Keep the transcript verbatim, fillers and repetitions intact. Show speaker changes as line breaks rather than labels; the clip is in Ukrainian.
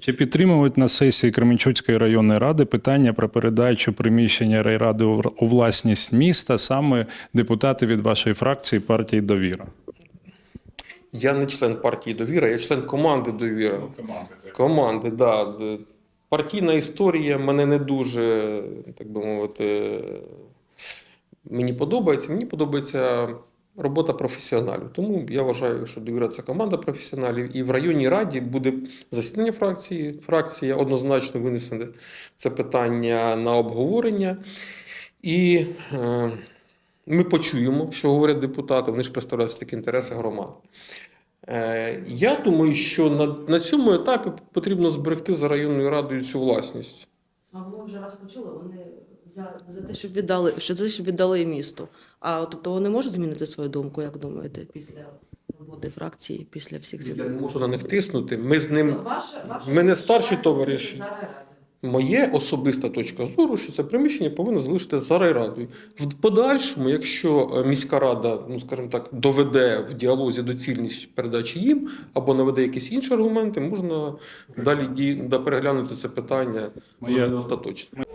Чи підтримують на сесії Кременчуцької районної ради питання про передачу приміщення райради у власність міста саме депутати від вашої фракції партії «Довіра»?
Я не член партії «Довіра», я член команди «Довіра».
Команди,
Команди, да. Партійна історія мене не дуже, так би мовити, мені подобається. Мені подобається робота професіоналів. Тому я вважаю, що «Довіра» – це команда професіоналів. І в районній раді буде засідання фракції. Фракція однозначно винесе це питання на обговорення. І е, ми почуємо, що говорять депутати, вони ж представляють такі інтереси громади. Е, я думаю, що на, на цьому етапі потрібно зберегти за районною радою цю власність.
А ми вже раз почули, вони за, за те, щоб віддали, що за те, щоб віддали місту. А тобто вони можуть змінити свою думку, як думаєте, після роботи фракції, після всіх цих?
Я не можу на них тиснути. Ми з ним,
Ваше, ваше,
ми не старші
ваше
товариші.
за райради.
Моє особиста точка зору, що це приміщення повинно залишити за райрадою. В подальшому, якщо міська рада, ну скажімо так, доведе в діалозі доцільність передачі їм або наведе якісь інші аргументи, можна далі ді... да, переглянути це питання
Моє-
може, остаточно.